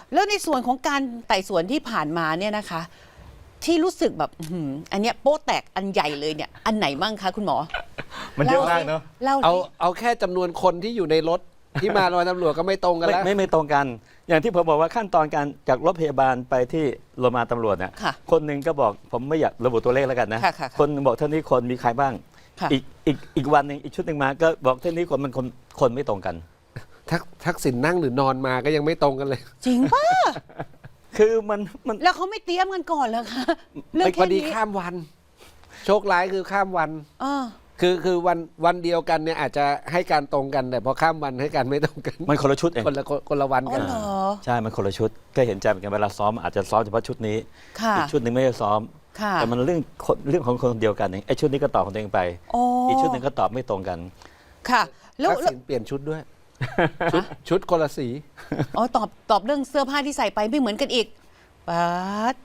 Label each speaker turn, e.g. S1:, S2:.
S1: แล้วในส่วนของการไต่สวนที่ผ่านมาเนี่ยนะคะ ที่รู้สึกแบบอันเนี้ยโป๊ะแตกอันใหญ่เลยเนี่ยอันไหนบ้างคะคุณหมอ
S2: มันเยอะมากเนาะ
S1: เล่า
S3: เอาแค่จำนวนคนที่อยู่ในรถที่มาโรงพยาบาลตำรวจก็ไม่ตรงกันแล้ว
S2: ไม่ตรงกัน อย่างที่ผมบอกว่าขั้นตอนการจากรถพยาบาลไปที่โรงพยาบาลตำรวจเนี่ย
S1: ค่ะ
S2: คนหนึ่งก็บอกผมไม่อยากระบุตัวเลขแล้วกันนะ
S1: ค่ะ
S2: คนหนึ่งบอกเท่านี้คนมีใครบ้าง
S1: ค่ะ
S2: อีกวันหนึ่งอีกชุดหนึ่งมาก็บอกเท่านี้คนมันคนไม่ตรงกัน
S3: ทักษิณนั่งหรือนอนมาก็ยังไม่ตรงกันเลย
S1: จริงป่ะ
S2: คือมัน
S1: แล้วเขาไม่เตรียมกันก่อนเหรอคะเรื่อง
S3: พ
S1: แค่
S3: อดี
S1: นี้
S3: ข้ามวัน โชคร้ายคือข้ามวัน
S1: เออ
S3: คือวันเดียวกันเนี่ยอาจจะให้การตรงกันแต่พอข้ามวันให้การไม่ตรงกัน
S2: มันคนละชุดเอง
S3: คนละวัน
S1: อ๋
S3: กั
S1: อน เหรอ
S2: ใช่ มันคนละชุดก็เห็นใจเหมือนกันเวลาซ้อมอาจจะซ้อมเฉพาะชุดนี้
S1: ค่ะ
S2: อีกชุดหนึ่งไม่ได้ซ้อม
S1: ค่ะ
S2: แต่มันเรื่องของคนเดียวกันเองไอ้ชุดนี้ก็ตอบของตัวเองไป
S1: โอ้
S2: อีกชุดหนึ่งก็ตอบไม่ตรงกัน
S1: ค่ะ แล้ว
S3: ทักษิณเปลี่ยนชุดด้วย ชุดคนละสี
S1: อ๋อตอบเรื่องเสื้อผ้าที่ใส่ไปไม่เหมือนกันอีกป๊าด